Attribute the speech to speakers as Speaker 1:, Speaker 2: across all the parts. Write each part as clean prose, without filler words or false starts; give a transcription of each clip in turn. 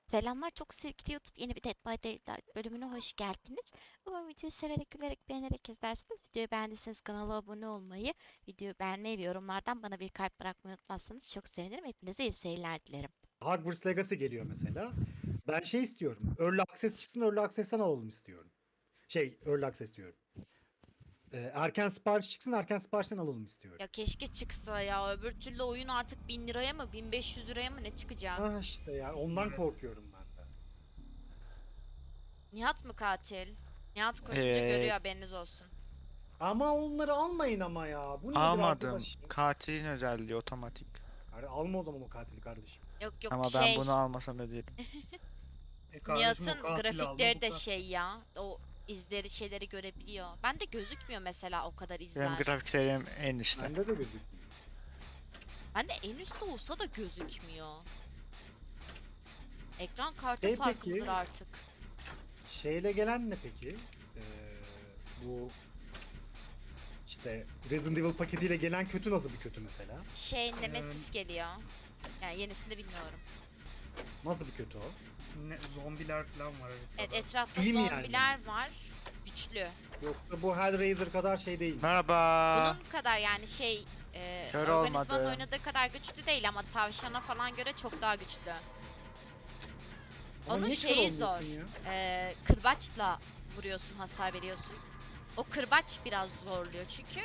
Speaker 1: Selamlar çok sevgili YouTube yeni bir Dead by Daylight bölümüne hoş geldiniz. Umarım videoyu severek, gülerek, beğenerek izlersiniz. Videoyu beğendiyseniz kanala abone olmayı, videoyu beğenmeyi ve yorumlardan bana bir kalp bırakmayı unutmazsanız çok sevinirim. Hepinize iyi seyirler dilerim.
Speaker 2: Hogwarts Legacy geliyor mesela. Ben şey istiyorum. Early Access çıksın, Early Access'ten alalım istiyorum. Early Access diyorum. Erken sipariş çıksın, erken siparişten alalım istiyorum.
Speaker 1: Ya keşke çıksa ya. Öbür türlü oyun artık 1000 liraya mı 1500 liraya mı ne çıkacak?
Speaker 2: Ah işte yani ondan
Speaker 3: Evet.
Speaker 2: korkuyorum ben de.
Speaker 1: Nihat mı katil? Nihat koşunca görüyor
Speaker 4: Ee,
Speaker 1: haberiniz olsun.
Speaker 2: Ama onları almayın ama ya. Bu nedir
Speaker 4: almadım.
Speaker 2: arkadaş?
Speaker 4: Katilin özelliği otomatik.
Speaker 2: Yani alma o zaman o katili kardeşim.
Speaker 1: Yok yok
Speaker 4: Ama ben bunu almasam öderim.
Speaker 3: Kardeşim o
Speaker 1: Nihat'ın
Speaker 3: katili alma
Speaker 1: grafikleri
Speaker 3: bu
Speaker 1: de
Speaker 3: kadar.
Speaker 1: şey ya. O izleri şeyleri görebiliyor. Bende gözükmüyor mesela o kadar
Speaker 4: Benim
Speaker 1: izler.
Speaker 4: grafiklerim en üstte.
Speaker 2: Bende de gözükmüyor.
Speaker 1: Bende en üstte olsa da gözükmüyor. Ekran kartı
Speaker 2: Şey
Speaker 1: farkı
Speaker 2: peki-
Speaker 1: mıdır artık?
Speaker 2: Şeyle gelen ne peki? Bu işte Resident Evil paketiyle gelen kötü nasıl bir kötü mesela?
Speaker 1: Nemesis geliyor. Yani yenisini de bilmiyorum.
Speaker 2: Nasıl bir kötü o?
Speaker 3: Zombiler falan var
Speaker 1: Evet,
Speaker 3: haritada.
Speaker 1: etrafta
Speaker 2: İyi mi yani
Speaker 1: zombiler
Speaker 2: Nemesis?
Speaker 1: var. Güçlü.
Speaker 2: Yoksa bu Hellraiser kadar şey değil mi?
Speaker 4: Merhaba.
Speaker 1: Bunun kadar yani
Speaker 4: Kör
Speaker 1: organizmanın
Speaker 4: olmadı.
Speaker 1: oynadığı kadar güçlü değil ama tavşana falan göre çok daha güçlü.
Speaker 2: Ama
Speaker 1: Onun
Speaker 2: niye kör
Speaker 1: şeyi
Speaker 2: olmuyorsun
Speaker 1: zor.
Speaker 2: ya?
Speaker 1: Kırbaçla vuruyorsun, hasar veriyorsun. O kırbaç biraz zorluyor çünkü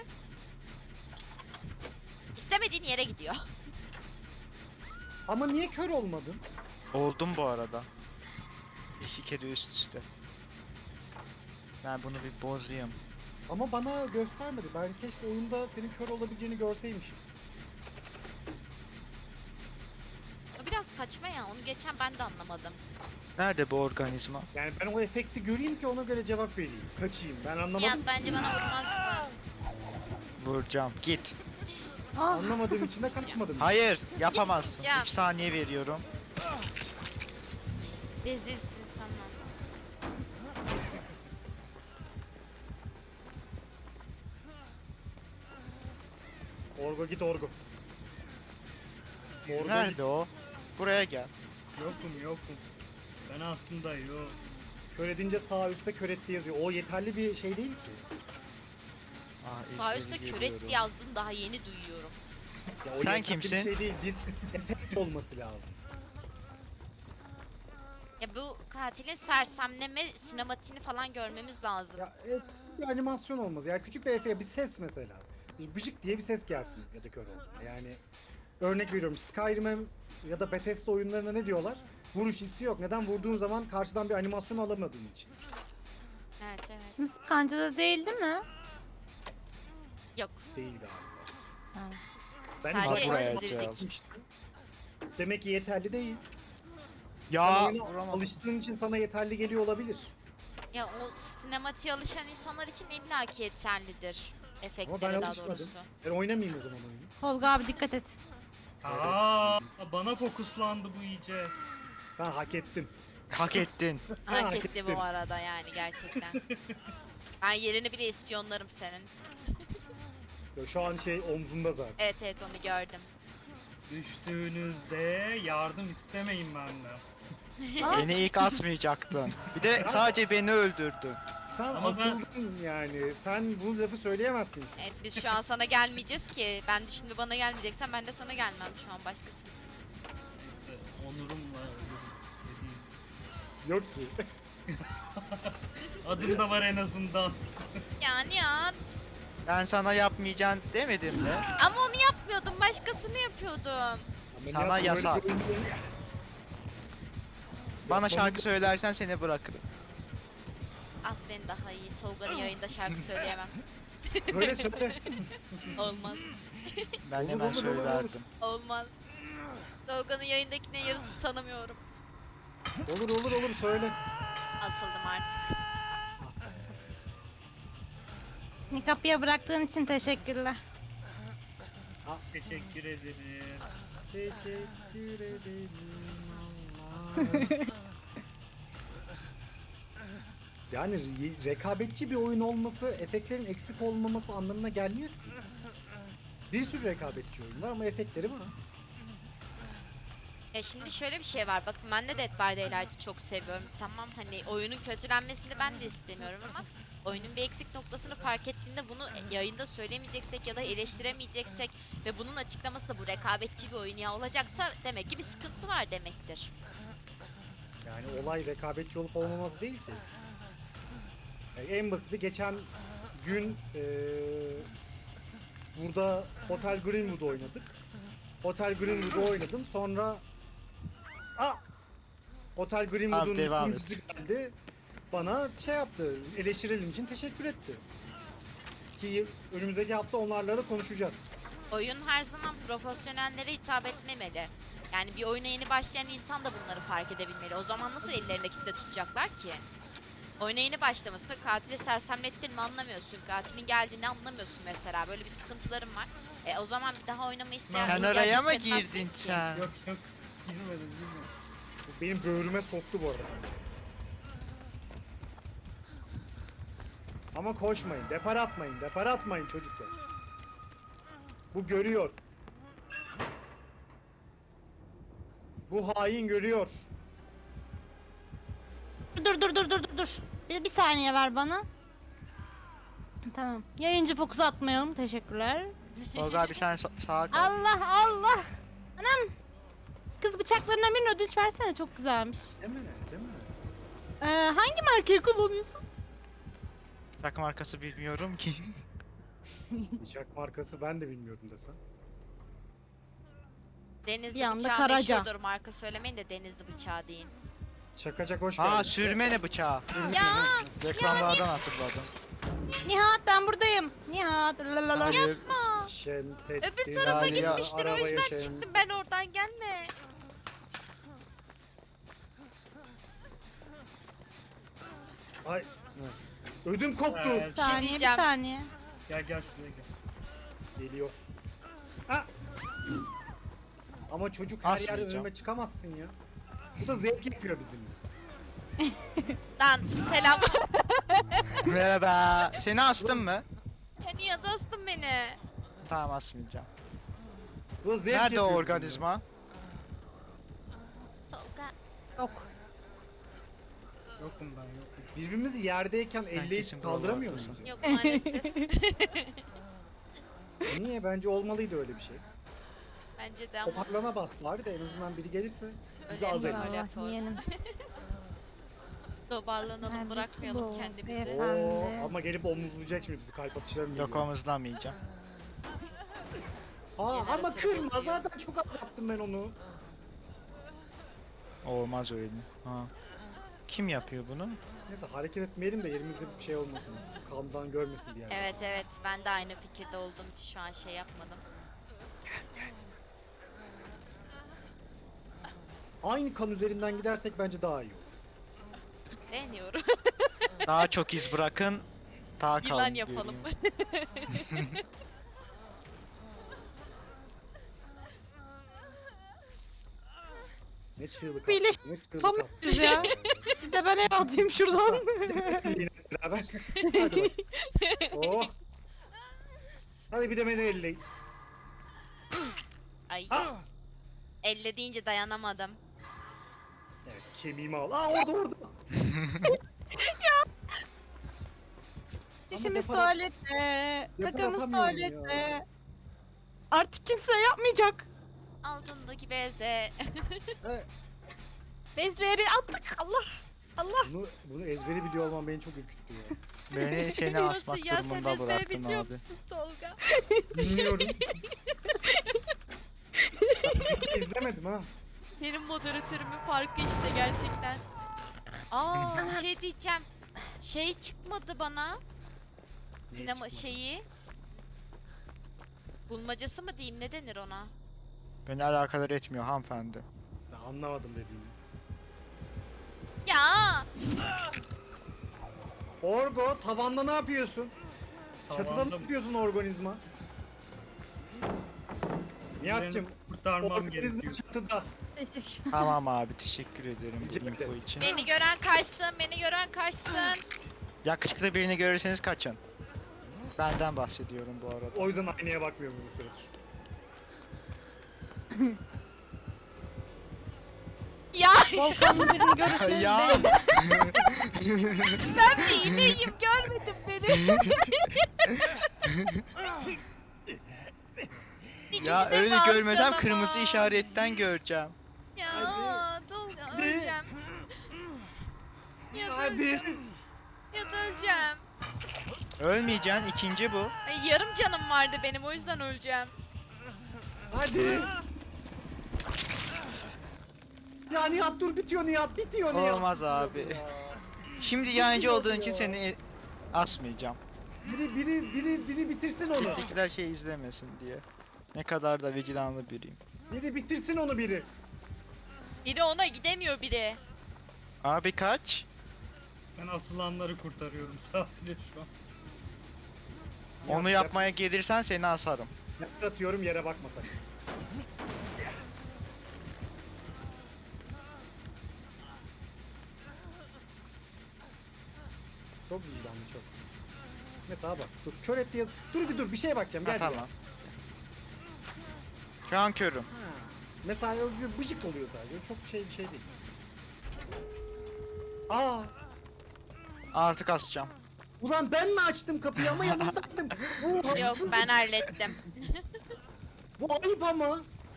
Speaker 1: istemediğin yere gidiyor.
Speaker 2: Ama niye kör olmadın?
Speaker 4: Oldum bu arada. 2 kere üst üste. Ben bunu bir bozayım.
Speaker 2: Ama bana göstermedi. Ben keşke oyunda senin kör olabileceğini görseymişim.
Speaker 1: O biraz saçma ya. Onu geçen ben de anlamadım.
Speaker 4: Nerede bu organizma?
Speaker 2: Yani ben o efekti göreyim ki ona göre cevap vereyim. Kaçayım. Ben
Speaker 1: Nihat
Speaker 2: anlamadım.
Speaker 1: bence bana vurmazsın.
Speaker 4: Vuracağım. Git.
Speaker 2: Anlamadığım için de kaçmadım.
Speaker 4: Hayır, yapamazsın.
Speaker 1: Gitmeyeceğim.
Speaker 4: 3 saniye veriyorum.
Speaker 1: Rezilsin tamam.
Speaker 2: Orgo git Orgo. Orgo git.
Speaker 4: Nerede o? Buraya gel.
Speaker 3: Yokum. Ben aslında yok.
Speaker 2: Kör edince sağ üstte kör etti yazıyor. O yeterli bir şey değil ki.
Speaker 1: Sağ
Speaker 4: izleri
Speaker 1: üstte
Speaker 4: görüyorum.
Speaker 1: küret yazdın daha yeni duyuyorum.
Speaker 2: Ya o
Speaker 4: Sen
Speaker 2: yeterli
Speaker 4: kimsin?
Speaker 2: bir şey değil. Bir efekt olması lazım.
Speaker 1: Ya bu katilin sersemleme sinematiğini falan görmemiz lazım.
Speaker 2: Ya bir animasyon olmaz. Yani küçük bir bir ses mesela. Bir bıcık diye bir ses gelsin ya da kör olduğunda. Yani örnek veriyorum Skyrim'e ya da Bethesda oyunlarına ne diyorlar? Vuruş hissi yok. Neden vurduğun zaman karşıdan bir animasyon alamadığın için.
Speaker 1: Evet evet.
Speaker 5: Kimse kancada değil değil mi?
Speaker 1: Yok.
Speaker 2: Değil galiba.
Speaker 5: Ha.
Speaker 2: Ben
Speaker 1: Sadece
Speaker 4: buraya
Speaker 1: çizildik.
Speaker 4: atacağız.
Speaker 2: Demek ki yeterli değil. Sen
Speaker 4: Ya
Speaker 2: oyuna
Speaker 4: vuramadım.
Speaker 2: alıştığın için sana yeterli geliyor olabilir.
Speaker 1: Ya o sinematiğe alışan insanlar için illaki yeterlidir.
Speaker 2: Ama ben
Speaker 1: Efektleri daha
Speaker 2: alışmadım.
Speaker 1: doğrusu.
Speaker 2: Ben oynamayayım o zaman oyunu.
Speaker 5: Tolga abi dikkat et.
Speaker 3: Bana fokuslandı bu iyice.
Speaker 2: Sen hak ettin.
Speaker 4: Hak ettin.
Speaker 1: Hak
Speaker 2: hak
Speaker 1: etti
Speaker 2: ettin.
Speaker 1: bu arada yani gerçekten. Ben yerini bile ispiyonlarım senin.
Speaker 2: Ya şu an omzunda zaten.
Speaker 1: Evet evet onu gördüm.
Speaker 3: Düştüğünüzde yardım istemeyin benden.
Speaker 4: Beni ilk asmayacaktın. Bir de sadece beni öldürdün.
Speaker 2: Sen
Speaker 3: Ama ben-
Speaker 2: asıldın yani. Sen bu lafı söyleyemezsin şu an.
Speaker 1: Evet biz şu an sana gelmeyeceğiz ki. Ben de şimdi bana gelmeyeceksen ben de sana gelmem şu an başkası gitsin.
Speaker 3: Neyse onurumla ölürüm dediğim.
Speaker 2: Yok ki.
Speaker 3: Adım da var en azından.
Speaker 1: Ya Nihat.
Speaker 4: Ben sana yapmayacağım demedim mi?
Speaker 1: Ama onu yapmıyordum başkasını yapıyordum.
Speaker 2: Ameliyat
Speaker 4: Sana
Speaker 2: böyle
Speaker 4: yasak.
Speaker 2: bir oyun değil.
Speaker 4: Bana
Speaker 2: Yapmamız-
Speaker 4: şarkı söylersen seni bırakırım.
Speaker 1: As beni daha iyi. Tolga'nın yayında şarkı söyleyemem.
Speaker 2: Söyle söyle.
Speaker 1: Olmaz.
Speaker 4: Ben
Speaker 2: Olur,
Speaker 4: hemen
Speaker 2: olur, olur, olur.
Speaker 4: söylerdim.
Speaker 1: Olmaz. Tolga'nın yayındakine yarısını tanımıyorum.
Speaker 2: Olur söyle.
Speaker 1: Asıldım artık.
Speaker 5: Beni kapıya bıraktığın için teşekkürler.
Speaker 3: Teşekkür ederim.
Speaker 2: Teşekkür ederim Allah. Yani rekabetçi bir oyun olması, efektlerin eksik olmaması anlamına gelmiyor ki. Bir sürü rekabetçi oyun var ama efektleri var.
Speaker 1: Ya şimdi şöyle bir şey var. Bakın ben de Dead by Daylight'ı çok seviyorum. Tamam hani oyunun kötülenmesini ben de istemiyorum ama oyunun bir eksik noktasını fark ettiğinde bunu yayında söylemeyeceksek ya da eleştiremeyeceksek ve bunun açıklaması da bu rekabetçi bir oyun ya olacaksa demek ki bir sıkıntı var demektir.
Speaker 2: Yani olay rekabetçi olup olmaması değil ki. En basiti geçen gün burada Hotel Greenwood oynadık. Hotel Greenwood'u oynadım. Sonra Hotel Greenwood'un
Speaker 4: devam et.
Speaker 2: ikincisi geldi. Bana şey yaptı. Eleştirelim için teşekkür etti. Ki önümüzdeki hafta onlarla da konuşacağız.
Speaker 1: Oyun her zaman profesyonellere hitap etmemeli. Yani bir oyuna yeni başlayan insan da bunları fark edebilmeli. O zaman nasıl ellerinde kitle tutacaklar ki? Oyuna yeni başlaması, katili sersemlettin mi anlamıyorsun, katilin geldiğini anlamıyorsun mesela. Böyle bir sıkıntılarım var. O zaman bir daha oynama isteyen
Speaker 4: Sen
Speaker 1: ihtiyaç
Speaker 4: oraya mı
Speaker 1: hissetmezsin
Speaker 4: girdin
Speaker 1: ki.
Speaker 4: sen?
Speaker 3: Yok yok. Girmedim.
Speaker 2: Bu benim böğrüme soktu bu arada. Ama koşmayın, depar atmayın, depar atmayın çocuklar. Bu görüyor. Bu hain görüyor.
Speaker 5: Dur. Bir saniye ver bana. Tamam. Yayıncı fokusu atmayalım. Teşekkürler.
Speaker 4: Tolga abi sen sağa kal.
Speaker 5: Allah. Anam. Kız bıçaklarından birini ödünç versene, çok güzelmiş.
Speaker 2: Değil mi? Değil mi?
Speaker 5: Hangi markayı kullanıyorsun?
Speaker 4: Takım arkası bilmiyorum ki.
Speaker 2: Bıçak markası ben de bilmiyorum desem.
Speaker 1: Denizli
Speaker 5: Bir anda
Speaker 1: bıçağı
Speaker 5: Karaca.
Speaker 1: meşhurdur, marka söylemeyin de Denizli bıçağı deyin.
Speaker 2: Şakacak hoş geldin.
Speaker 4: Aa sürme ne bıçağı.
Speaker 1: Ya
Speaker 4: Reklamlardan hatırladım.
Speaker 5: Nihat ben buradayım. Nihat. Lalalala.
Speaker 4: Hayır.
Speaker 2: Şemsettin.
Speaker 1: öbür tarafa
Speaker 4: Lale ya,
Speaker 1: gitmiştir o
Speaker 2: arabaya
Speaker 1: yüzden çıktım ben oradan, gelme.
Speaker 2: Ay. Ödüm koptu.
Speaker 3: Evet.
Speaker 5: Bir saniye, bir
Speaker 1: diyeceğim.
Speaker 5: saniye.
Speaker 3: Gel şuraya gel.
Speaker 2: Geliyor. Ha! Ama çocuk her yerde
Speaker 4: Asmayacağım.
Speaker 2: önüme çıkamazsın ya. Bu da zevk yapıyor bizimle.
Speaker 1: Lan selam.
Speaker 4: Merhaba. Seni astım mı?
Speaker 1: Ya niye dostum beni?
Speaker 4: Tamam asmayacağım.
Speaker 2: Bu da zevk
Speaker 4: Nerede o
Speaker 2: yapıyor
Speaker 4: organizma?
Speaker 1: Tolga.
Speaker 5: Yok.
Speaker 3: Yokum ben yokum.
Speaker 2: bizimle. Birbirimizi yerdeyken
Speaker 4: kesin
Speaker 2: elleyip kaldıramıyor
Speaker 4: buralardasın.
Speaker 2: muyuz?
Speaker 1: Yok maalesef.
Speaker 2: Niye? Bence olmalıydı öyle bir şey.
Speaker 1: Bence de ama
Speaker 2: Toparlana bas bari de en azından biri gelirse bizi az
Speaker 1: Önemli.
Speaker 2: eller.
Speaker 1: Öyle
Speaker 5: Allah
Speaker 1: yapalım.
Speaker 5: yeğenim.
Speaker 1: toparlanalım,
Speaker 5: Nerede
Speaker 1: bırakmayalım
Speaker 5: bu
Speaker 1: kendimizi.
Speaker 5: beyefendi?
Speaker 2: Oo, ama gelip omuzlayacak şimdi bizi, kalp atışlarını
Speaker 4: Yok
Speaker 2: geliyor.
Speaker 4: omuzlamayacağım.
Speaker 2: Ama
Speaker 1: Jeneratörü
Speaker 2: kırma,
Speaker 1: bozuyor.
Speaker 2: zaten çok az yaptım ben onu.
Speaker 4: Olmaz öyle. Ha. Kim yapıyor bunu?
Speaker 2: Neyse hareket etmeyelim de yerimizde bir şey olmasın. Kandan görmesin diye.
Speaker 1: Evet ben de aynı fikirde olduğum için şu an şey yapmadım.
Speaker 2: Aynı kan üzerinden gidersek bence daha iyi olur.
Speaker 1: Deniyorum.
Speaker 4: Daha çok iz bırakın. Daha kalın.
Speaker 1: Yılan yapalım.
Speaker 4: göreyim.
Speaker 2: Ne çığlık
Speaker 5: Bile
Speaker 2: attı, ne çığlık
Speaker 5: tam
Speaker 2: attı.
Speaker 5: yapıyoruz ya. Bir de ben el atayım şuradan.
Speaker 2: Yine beraber. Hadi bak. Oh. Hadi bir de beni elleyin.
Speaker 1: Ay
Speaker 2: Ah!
Speaker 1: elle deyince dayanamadım.
Speaker 2: Evet, kemiğimi al. Aa orada.
Speaker 5: Dişimiz
Speaker 2: depar-
Speaker 5: tuvalette.
Speaker 2: depar
Speaker 5: Kakamız
Speaker 2: atamıyorum
Speaker 5: tuvalette. Artık kimse yapmayacak.
Speaker 1: Altındaki beze.
Speaker 2: Evet,
Speaker 5: Bezleri attık. Allah.
Speaker 2: bunu ezberi biliyor olmam beni çok ürküttü ya.
Speaker 4: Beni seni
Speaker 1: Nasıl
Speaker 4: asmak
Speaker 1: ya, sen
Speaker 4: durumunda
Speaker 1: ezbere
Speaker 4: bıraktın
Speaker 1: biliyor
Speaker 4: abi.
Speaker 1: musun Tolga?
Speaker 2: Bilmiyorum. Ben izlemedim ha.
Speaker 1: Benim moderatörümün farkı işte gerçekten. Aa bir şey diyeceğim. Şey çıkmadı bana.
Speaker 2: Niye
Speaker 1: Dinamo
Speaker 2: çıkmadı?
Speaker 1: şeyi. Bulmacası mı diyeyim, ne denir ona?
Speaker 4: Beni alakadar etmiyor hanımefendi.
Speaker 2: Ben anlamadım dediğini.
Speaker 1: Ya
Speaker 2: Orgo tavanda ne yapıyorsun? Çatıda ne
Speaker 3: Tavanda-
Speaker 2: yapıyorsun organizma? Nihat'cım
Speaker 3: Beni kurtarmam
Speaker 2: organizma
Speaker 3: gerekiyor.
Speaker 2: çatıda.
Speaker 5: Teşekkür.
Speaker 4: Tamam abi teşekkür ederim
Speaker 2: Rica
Speaker 4: bu info
Speaker 2: ederim.
Speaker 4: için.
Speaker 1: beni gören kaçsın, beni gören kaçsın.
Speaker 4: Yakışıklı birini görürseniz kaçın. Benden bahsediyorum bu arada.
Speaker 2: O yüzden aynaya bakmıyorum bu süredir.
Speaker 5: Volkan'ın birini görürseniz
Speaker 4: Ya.
Speaker 5: benim.
Speaker 1: Ben bir iğneyim, görmedin beni.
Speaker 4: Ya
Speaker 1: İkinize de
Speaker 4: öyle
Speaker 1: mi
Speaker 4: görmesem
Speaker 1: alacağım
Speaker 4: kırmızı
Speaker 1: ama?
Speaker 4: işaretten göreceğim.
Speaker 1: Ya Tolga
Speaker 2: Hadi.
Speaker 1: öleceğim. Ya da
Speaker 2: Hadi.
Speaker 1: öleceğim. Ya da öleceğim.
Speaker 4: Ölmeyeceksin, ikinci bu.
Speaker 1: Ay, yarım canım vardı benim, o yüzden öleceğim.
Speaker 2: Hadi. Ya Nihat dur, bitiyor Nihat, bitiyor Nihat.
Speaker 4: Olmaz abi.
Speaker 2: Ya.
Speaker 4: Şimdi yayıncı olduğun için
Speaker 2: ya.
Speaker 4: seni asmayacağım.
Speaker 2: Biri bitirsin onu.
Speaker 4: Bizimkiler şey izlemesin diye. Ne kadar da vicdanlı biriyim.
Speaker 2: Biri bitirsin onu biri.
Speaker 1: Biri ona gidemiyor biri.
Speaker 4: Abi kaç?
Speaker 3: Ben asılanları kurtarıyorum sadece şu an.
Speaker 4: Onu yapmaya gelirsen seni asarım.
Speaker 2: Atıyorum, yere bakmasak. Çok vicdanlı, çok. Mesela bak, dur kör etti yaz. Dur bir şeye bakacağım,
Speaker 4: Ha,
Speaker 2: gel
Speaker 4: tamam. Şu an körüm.
Speaker 2: Ha. Mesela bir bıcık oluyor sadece. O çok bir şey değil. Aa,
Speaker 4: Artık asacağım.
Speaker 2: ulan ben mi açtım kapıyı ama yanındaydım. Bu
Speaker 1: Yok,
Speaker 2: haksızlık.
Speaker 1: ben hallettim.
Speaker 2: Bu ayıp ama.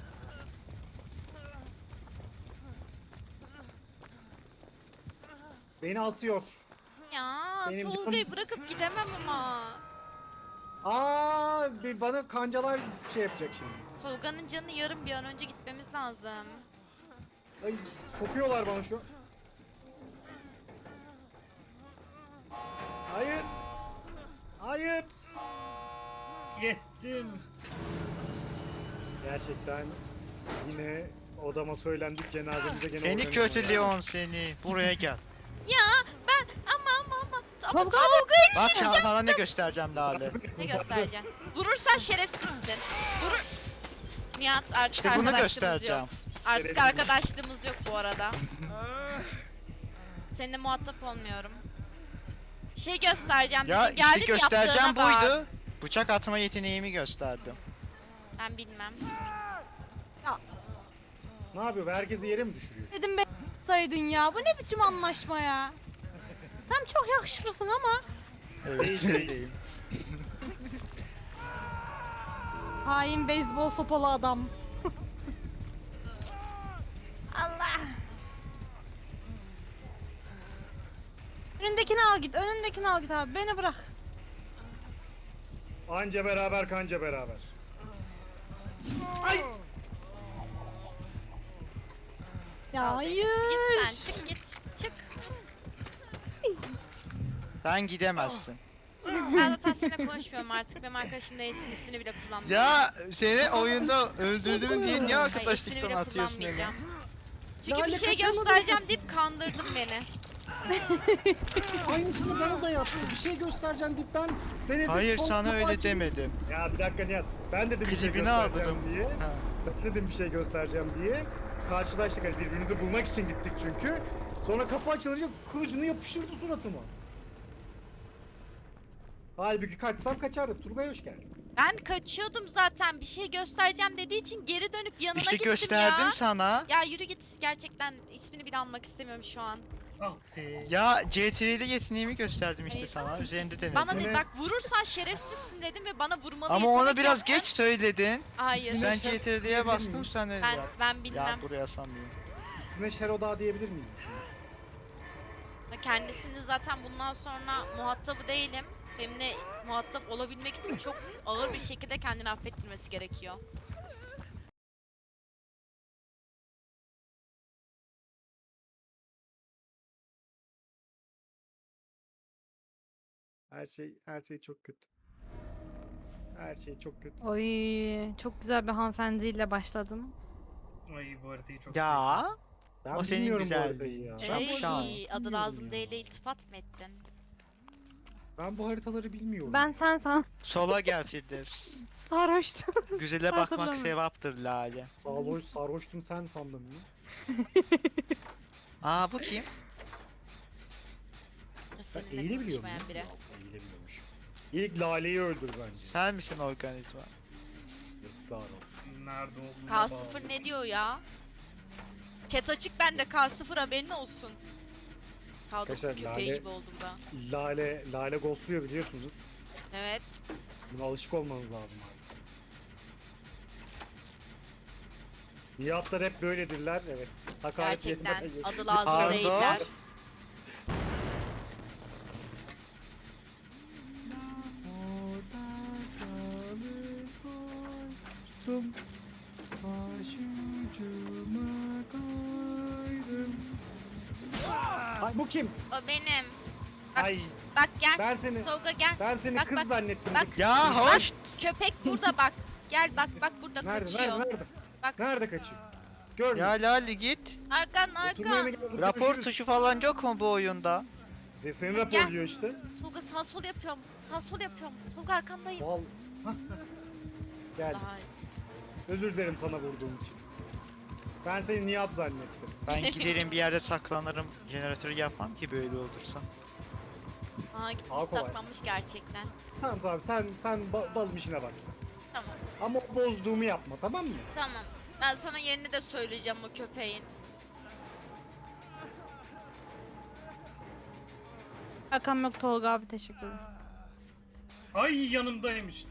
Speaker 2: Beni asıyor.
Speaker 1: Ya
Speaker 2: Benim
Speaker 1: Tolga'yı
Speaker 2: canım-
Speaker 1: bırakıp gidemem ama.
Speaker 2: Bana kancalar şey yapacak şimdi.
Speaker 1: Tolga'nın canı yarım, bir an önce gitmemiz lazım.
Speaker 2: Ay, sokuyorlar bana şu an. Hayır. Hayır.
Speaker 3: Yettim.
Speaker 2: Gerçekten yine odama söylendik, cenazemize gene
Speaker 4: Beni
Speaker 2: organize
Speaker 4: kötü
Speaker 2: oldu.
Speaker 4: Leon seni. Buraya gel.
Speaker 1: Ya ben ama
Speaker 5: Tolga
Speaker 4: Bak sana ne göstereceğim Lale.
Speaker 1: ne göstereceğim? Vurursan şerefsizsin. Vurur. Nihat, artık
Speaker 4: İşte bunu
Speaker 1: arkadaşlığımız
Speaker 4: göstereceğim.
Speaker 1: yok. Artık
Speaker 2: Şerefsiz.
Speaker 1: arkadaşlığımız yok bu arada. Seninle muhatap olmuyorum. Şey göstereceğim
Speaker 4: Ya
Speaker 1: dedim,
Speaker 4: işte
Speaker 1: geldim
Speaker 4: göstereceğim
Speaker 1: yaptığına bak.
Speaker 4: buydu. Bıçak atma yeteneğimi gösterdim.
Speaker 1: Ben bilmem.
Speaker 2: Ne yapıyor? Herkesi yere mi düşürüyor?
Speaker 5: dedim ben saydın ya. Bu ne biçim anlaşma ya? Tam çok yakışıklısın ama.
Speaker 4: Evet
Speaker 2: Değil.
Speaker 4: öyleyim.
Speaker 5: Hain beyzbol sopalı adam. Allah. Önündekini al git. Önündekini al git abi. Beni bırak.
Speaker 2: Anca beraber kanca beraber. Ay!
Speaker 5: Ya
Speaker 1: Sağ ol Deniz. Git
Speaker 5: hayır.
Speaker 1: sen, çık git. Çık.
Speaker 4: Sen gidemezsin.
Speaker 1: Ben zaten seninle konuşmuyorum artık. Benim arkadaşım değilsin, ismini bile kullanmıyorum.
Speaker 4: Ya seni oyunda öldürdüm diye niye
Speaker 1: Hayır, ismini
Speaker 4: arkadaşlıktan
Speaker 1: bile
Speaker 4: atıyorsun beni?
Speaker 1: kullanmayacağım. Çünkü
Speaker 2: Lale
Speaker 1: bir şey
Speaker 2: kaçırmadın.
Speaker 1: göstereceğim deyip kandırdın beni.
Speaker 2: Aynısını bana da yaptı. Bir şey göstereceğim deyip ben denedim.
Speaker 4: Hayır
Speaker 2: son
Speaker 4: sana
Speaker 2: kapı
Speaker 4: öyle
Speaker 2: açıldı.
Speaker 4: demedim.
Speaker 2: Ya bir dakika Nihat. Ben dedim bir şey
Speaker 4: Klibini
Speaker 2: göstereceğim
Speaker 4: aldım.
Speaker 2: diye.
Speaker 4: Ha.
Speaker 2: Ben dedim bir şey göstereceğim diye. Karşılaştık, hani birbirimizi bulmak için gittik çünkü. Sonra kapı açılınca kılıcını yapıştırdı suratıma. Halbuki kaçsam kaçardım. Turgay hoş geldin.
Speaker 1: Ben kaçıyordum zaten. Bir şey göstereceğim dediği için geri dönüp yanına
Speaker 4: İşte
Speaker 1: gittim
Speaker 4: gösterdim
Speaker 1: ya.
Speaker 4: sana.
Speaker 1: Ya yürü git. Gerçekten ismini bile almak istemiyorum şu an.
Speaker 3: Ah be.
Speaker 4: Ya CTR'de yeteneğimi gösterdim işte
Speaker 1: Hayır.
Speaker 4: sana. Üzerinde denedim.
Speaker 1: Bana
Speaker 2: İsmini-
Speaker 1: de bak, vurursan şerefsizsin dedim ve bana vurmalı
Speaker 4: Ama
Speaker 1: yetenek
Speaker 4: onu biraz
Speaker 1: yaptın.
Speaker 4: geç söyledin.
Speaker 1: Hayır.
Speaker 2: İsmini-
Speaker 4: Ben
Speaker 2: şef
Speaker 4: CTR'ye
Speaker 2: diyebilir
Speaker 4: bastım
Speaker 2: miyiz?
Speaker 4: sen öyle
Speaker 1: Ben
Speaker 4: yap.
Speaker 1: ben bilmem.
Speaker 4: Ya buraya sanmıyorum.
Speaker 2: Sizinle Şeroda diyebilir miyiz ismini?
Speaker 1: Kendisini zaten bundan sonra muhatabı değilim. Benimle muhatap olabilmek için çok ağır bir şekilde kendini affettirmesi gerekiyor.
Speaker 2: Her şey çok kötü. Her şey çok kötü.
Speaker 5: Oy, çok güzel bir hanımefendiyle başladım.
Speaker 3: Ay bu haritayı çok
Speaker 4: Ya
Speaker 2: Ben
Speaker 4: O senin
Speaker 2: bilmiyorum bu haritayı
Speaker 4: güzelliğin.
Speaker 2: ya.
Speaker 4: Ben
Speaker 2: Ben bu
Speaker 1: Ey,
Speaker 2: haritaları
Speaker 1: adı
Speaker 2: bilmiyorum
Speaker 1: lazım
Speaker 2: ya.
Speaker 1: değil, iltifat mı ettin?
Speaker 2: Ben bu haritaları bilmiyorum.
Speaker 5: Ben sen
Speaker 4: sola gel Firdevs.
Speaker 5: sarhoştum.
Speaker 4: Güzele bakmak
Speaker 5: Hatırlamıyorum.
Speaker 4: sevaptır Lale.
Speaker 2: Sarhoştum sen sandım ya.
Speaker 4: Aa bu kim?
Speaker 2: Ben
Speaker 1: Seninle
Speaker 2: eğili biliyorum
Speaker 1: konuşmayan
Speaker 2: ya.
Speaker 1: biri.
Speaker 2: Eğili biliyormuş. İlk Lale'yi öldür bence.
Speaker 4: Sen misin organizma?
Speaker 2: Yazıklar olsun.
Speaker 3: Nerede olduğunu
Speaker 1: K0 ne diyor ya? Cat açık bende K0 haberin olsun. K9
Speaker 2: Arkadaşlar,
Speaker 1: köpeği
Speaker 2: Lale-
Speaker 1: gibi oldum da.
Speaker 2: Lale ghostluyor biliyorsunuz.
Speaker 1: Evet.
Speaker 2: Buna alışık olmanız lazım abi. Nihatlar hep böyledirler, evet. Hakaret
Speaker 1: Gerçekten
Speaker 2: yerine-
Speaker 1: adı lazım
Speaker 4: Pardon.
Speaker 1: değiller.
Speaker 2: Orada kalırsaydın, başucuma koydum. Ay bu kim?
Speaker 1: O benim. Bak,
Speaker 2: Ay
Speaker 1: bak gel.
Speaker 2: ben seni
Speaker 1: Tolga gel.
Speaker 2: ben seni kız
Speaker 1: bak,
Speaker 2: zannettim.
Speaker 1: bak.
Speaker 4: Ya hoş.
Speaker 1: Köpek burada bak. Gel bak burada
Speaker 2: Nerede
Speaker 1: kaçıyor.
Speaker 2: nerede nerede?
Speaker 1: Bak.
Speaker 2: Nerede kaçıyor? Görmüyor.
Speaker 4: Ya Lali git.
Speaker 1: Arkan
Speaker 2: Oturmaya mı
Speaker 1: arkan.
Speaker 2: geldin?
Speaker 4: Rapor
Speaker 2: Görüşürüz.
Speaker 4: tuşu falan yok mu bu oyunda?
Speaker 2: Seni raporluyor işte.
Speaker 1: Tolga sağ sol yapıyorum. Sağ sol yapıyorum. Tolga arkandayım.
Speaker 2: Val. Gel.
Speaker 1: Daha
Speaker 2: Özür dilerim sana vurduğum için. Ben seni Nihat zannettim.
Speaker 4: Ben giderim bir yerde saklanırım. Jeneratörü yapmam ki böyle olursa.
Speaker 1: Aa gitmiş
Speaker 2: Daha kolay.
Speaker 1: saklanmış gerçekten.
Speaker 2: Tamam sen balım işine bak sen.
Speaker 1: Tamam
Speaker 2: Ama o bozduğumu yapma, tamam mı?
Speaker 1: tamam. Ben sana yerini de söyleyeceğim o köpeğin.
Speaker 5: Şakam yok Tolga abi, teşekkür ederim.
Speaker 3: Ay yanımdaymış.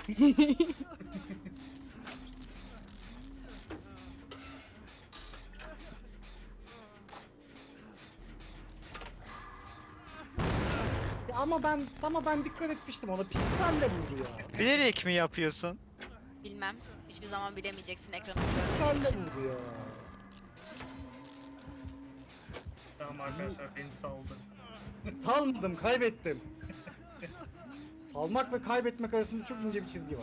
Speaker 2: Ya ama ben dikkat etmiştim ona. Pikselle vurdu ya.
Speaker 4: Bilerek mi yapıyorsun?
Speaker 1: Bilmem. Hiçbir zaman bilemeyeceksin ekranı
Speaker 2: Pikselle
Speaker 1: görmediğin için.
Speaker 2: vurdu ya.
Speaker 3: Tamam arkadaşlar beni saldı.
Speaker 2: Salmadım, kaybettim. Salmak ve kaybetmek arasında çok ince bir çizgi var.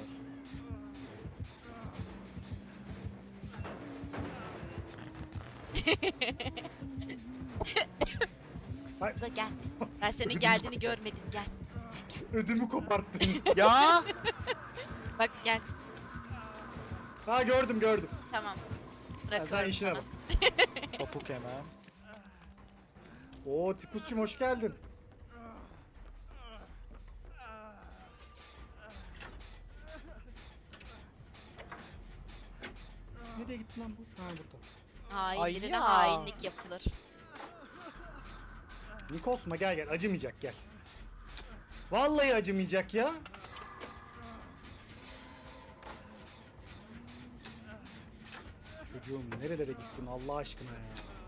Speaker 2: Ay,
Speaker 1: Tolga gel. Ben senin geldiğini görmedim gel.
Speaker 2: ödümü koparttın.
Speaker 4: Ya
Speaker 1: Bak gel.
Speaker 2: Ha gördüm.
Speaker 1: Tamam.
Speaker 2: Ha,
Speaker 1: Bırakıyorum
Speaker 2: sen işine
Speaker 1: sana.
Speaker 2: bak.
Speaker 4: topuk hemen.
Speaker 2: Oo Tikus'cum hoş geldin. Nereye gitti lan bu? Ha burada.
Speaker 1: Hain
Speaker 4: Ay
Speaker 1: birine
Speaker 4: ya.
Speaker 1: hainlik yapılır.
Speaker 2: Nikosma gel acımayacak gel. Vallahi acımayacak ya. Çocuğum nerelere gittin Allah aşkına ya.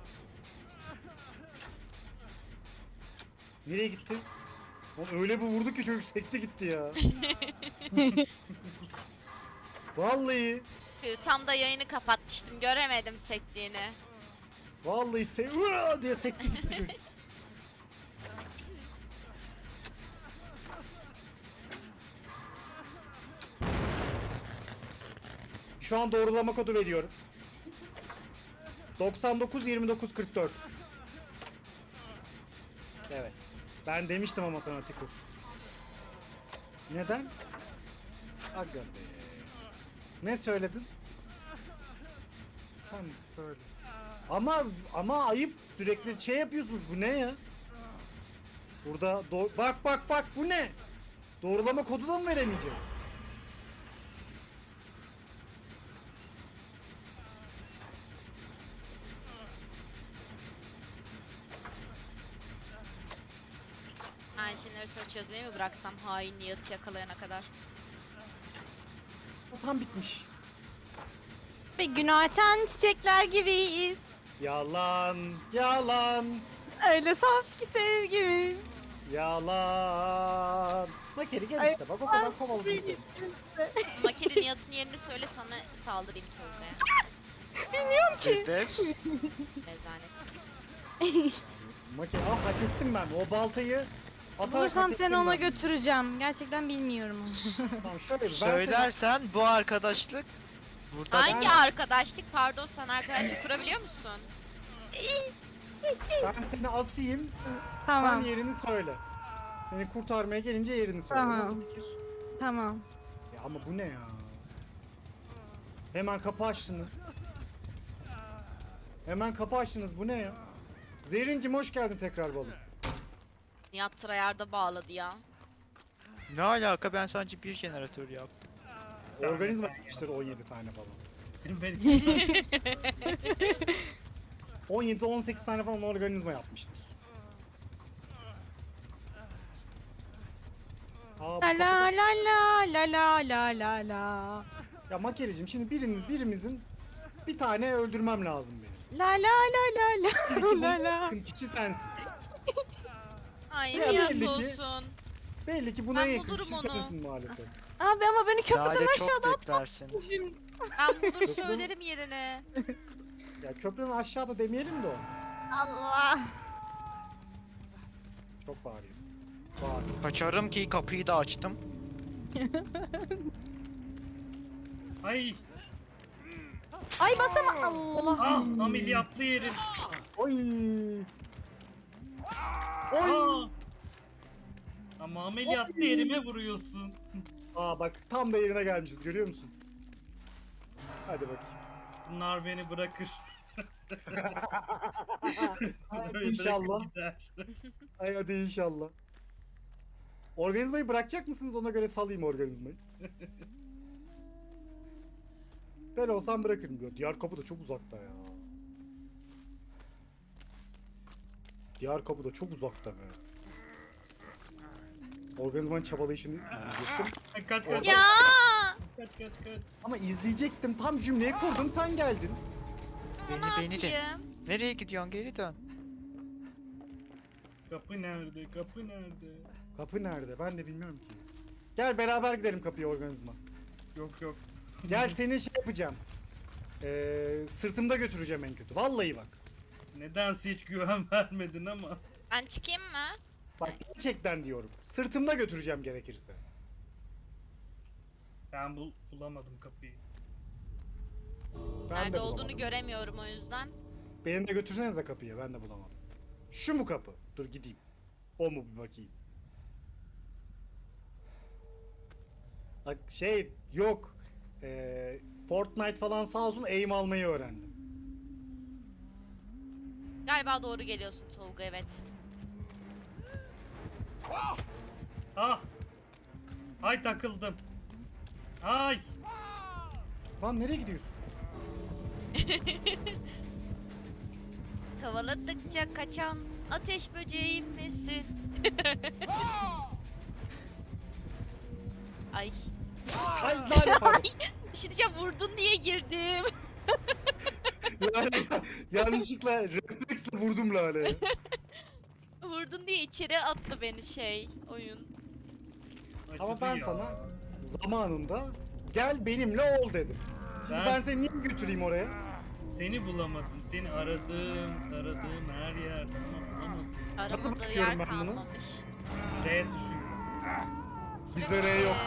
Speaker 2: Nereye gitti? Oğlum öyle bir vurdu ki çocuk sekti gitti ya. Vallahi
Speaker 1: Tam da yayını kapatmıştım. Göremedim sektiğini.
Speaker 2: vallahi Uaa! diye sekti gitti çocuk. Şu an doğrulama kodu veriyorum. 99 29 44. Evet. Ben demiştim ama sana Tikus. Neden? Aga be. Ne söyledin? Tamam söyle. Ama ayıp sürekli şey yapıyorsunuz. Bu ne ya? Burada bak bu ne? Doğrulama kodu da mı veremeyeceğiz?
Speaker 1: Ben jeneratör çözmeyi mi bıraksam hain Nihat'ı yakalayana kadar?
Speaker 2: O tam bitmiş.
Speaker 5: Ve gün açan çiçekler gibiyiz.
Speaker 2: Yalan, yalan,
Speaker 5: Öyle saf ki sevgimiz.
Speaker 2: yalan. Makeri gel
Speaker 5: Ay,
Speaker 2: işte bak o kadar kovaladım seni.
Speaker 1: Makine Nihat'ın yerini söyle sana saldırayım Tolga'ya.
Speaker 5: Bilmiyorum ki.
Speaker 4: Hedef.
Speaker 1: Rezalet.
Speaker 2: Makeri hak ettim ben. O baltayı atarak
Speaker 5: Bulursam
Speaker 2: hak
Speaker 5: seni
Speaker 2: ettim
Speaker 5: ona
Speaker 2: ben.
Speaker 5: götüreceğim. Gerçekten bilmiyorum onu.
Speaker 2: Tamam şöyle bir
Speaker 4: Söylersen bu arkadaşlık burada
Speaker 1: Hangi
Speaker 2: ben-
Speaker 1: arkadaşlık? Pardon sen arkadaşlık kurabiliyor musun?
Speaker 2: ben seni asayım.
Speaker 5: Tamam.
Speaker 2: Sen yerini söyle. Seni kurtarmaya gelince yerini söyle.
Speaker 5: Tamam.
Speaker 2: Nasıl fikir?
Speaker 5: Tamam.
Speaker 2: Ya ama bu ne ya? Hemen kapı açtınız. Hemen kapı açtınız. Bu ne ya? Zehrincim hoş geldin tekrar balım.
Speaker 1: Nihat tryhard'a bağladı ya.
Speaker 4: ne alaka, ben sadece bir jeneratör yaptım.
Speaker 2: Organizma yapmıştır 17 tane falan.
Speaker 3: Benim
Speaker 2: 17-18 tane falan organizma yapmıştır. Aa, bu
Speaker 5: La la
Speaker 2: kapıda-
Speaker 5: la la la la la la la.
Speaker 2: Ya Makericim şimdi birimizin bir tane öldürmem lazım benim.
Speaker 5: La la la la
Speaker 2: Çünkü
Speaker 5: la
Speaker 2: bu
Speaker 5: la la.
Speaker 2: yakın kişi sensin.
Speaker 1: Ay
Speaker 2: Ya
Speaker 1: niyet
Speaker 2: belli ki-
Speaker 1: olsun.
Speaker 2: Belli ki buna
Speaker 1: Ben
Speaker 2: en yakın
Speaker 1: bulurum
Speaker 2: kişi
Speaker 1: onu.
Speaker 2: sensin maalesef.
Speaker 5: Abi ama beni köprüden
Speaker 4: Lale
Speaker 5: aşağıda
Speaker 4: çok beklersin.
Speaker 5: atmışım.
Speaker 1: Ben bulur
Speaker 2: Köprü-
Speaker 1: söylerim yerine.
Speaker 2: Ya köprünün aşağıda demeyelim de ona.
Speaker 1: Allah.
Speaker 2: Çok bağırıyorsun. Bağırıyor.
Speaker 4: Kaçarım ki kapıyı da açtım.
Speaker 3: Ay
Speaker 5: Ay basama Allah.
Speaker 3: ah ameliyatlı yerim.
Speaker 2: Oy.
Speaker 3: Aa. Ama ameliyatlı yerime vuruyorsun.
Speaker 2: Aa bak tam da yerine gelmişiz görüyor musun? Hadi bakayım.
Speaker 3: Bunlar beni bırakır. Bunlar beni
Speaker 2: İnşallah.
Speaker 3: bırakır gider.
Speaker 2: Ay hadi inşallah. Organizmayı bırakacak mısınız? Ona göre salayım organizmayı. Ben olsam bırakırım diyor. Diğer kapı da çok uzakta ya. Diğer kapı da çok uzakta be. Organizmanın çabalayışını izleyecektim.
Speaker 3: Kaç
Speaker 2: Orada-
Speaker 3: kaç
Speaker 1: Ya.
Speaker 3: kaç kaç kaç.
Speaker 2: Ama izleyecektim. Tam cümleyi kurdum sen geldin.
Speaker 4: Beni de.
Speaker 1: yapayım?
Speaker 4: Nereye gidiyorsun? Geri dön.
Speaker 3: Kapı nerede? Kapı nerede?
Speaker 2: Kapı nerede? Ben de bilmiyorum ki. Gel beraber gidelim kapıya organizma.
Speaker 3: Yok yok.
Speaker 2: Gel seni şey yapacağım. Sırtımda götüreceğim en kötü. Vallahi bak.
Speaker 3: Nedense hiç güven vermedin ama.
Speaker 1: Ben çıkayım mı?
Speaker 2: Bak gerçekten diyorum. Sırtımda götüreceğim gerekirse.
Speaker 3: Ben bulamadım kapıyı.
Speaker 2: Ben
Speaker 1: Nerede
Speaker 2: de
Speaker 1: olduğunu
Speaker 2: bulamadım.
Speaker 1: göremiyorum o yüzden.
Speaker 2: Beni de götürsenize kapıya. Ben de bulamadım. Şu mu kapı? Dur gideyim. O mu bir bakayım. Bak şey yok. Fortnite falan sağ olsun aim almayı öğrendim.
Speaker 1: Galiba doğru geliyorsun Tolga, evet.
Speaker 3: Ah! Ay takıldım. Ay!
Speaker 2: Lan nereye gidiyorsun?
Speaker 1: Kovaladıkça kaçan ateş böceğim misin? Ay.
Speaker 2: Ay lan pardon.
Speaker 1: Bir şey diyeceğim, vurdun diye girdim.
Speaker 2: Yanlışlıkla refleksle vurdum Lale'ye.
Speaker 1: Vurdun diye içeri attı beni oyun.
Speaker 2: Ama
Speaker 3: Acıdı
Speaker 2: ben
Speaker 3: ya.
Speaker 2: sana zamanında gel benimle ol dedim. Şimdi ben seni niye götüreyim oraya?
Speaker 3: Seni bulamadım. Seni aradığım her yerde ama bulamadım.
Speaker 1: Aramadığı
Speaker 2: bakıyorum
Speaker 1: yer
Speaker 2: ben bunu?
Speaker 1: kalmamış.
Speaker 3: R tuşu.
Speaker 2: Bize R yok.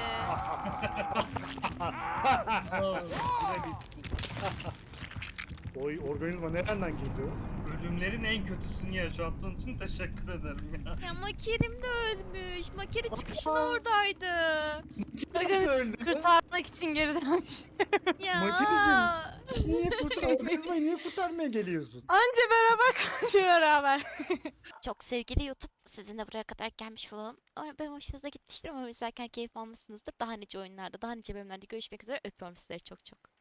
Speaker 3: Aa, süre bitti.
Speaker 2: Oy organizma nereden girdi o?
Speaker 3: Ölümlerin en kötüsünü yaşattığın için teşekkür ederim ya.
Speaker 1: Ya Makerim de ölmüş. Makeri çıkışın
Speaker 2: Aa.
Speaker 1: oradaydı.
Speaker 2: Nasıl öldü?
Speaker 5: Kurtarmak için geri dönmüş.
Speaker 1: Ya.
Speaker 2: Makericim. Niye organizmayı niye kurtarmaya geliyorsun?
Speaker 5: Anca beraber kaçıyor beraber.
Speaker 1: Çok sevgili YouTube, sizinle buraya kadar gelmiş olalım. Ben hoşunuza gitmiştir, ama izlerken keyif almışsınızdır. Daha nice oyunlarda, daha nice bölümlerde görüşmek üzere. Öpüyorum sizleri çok çok.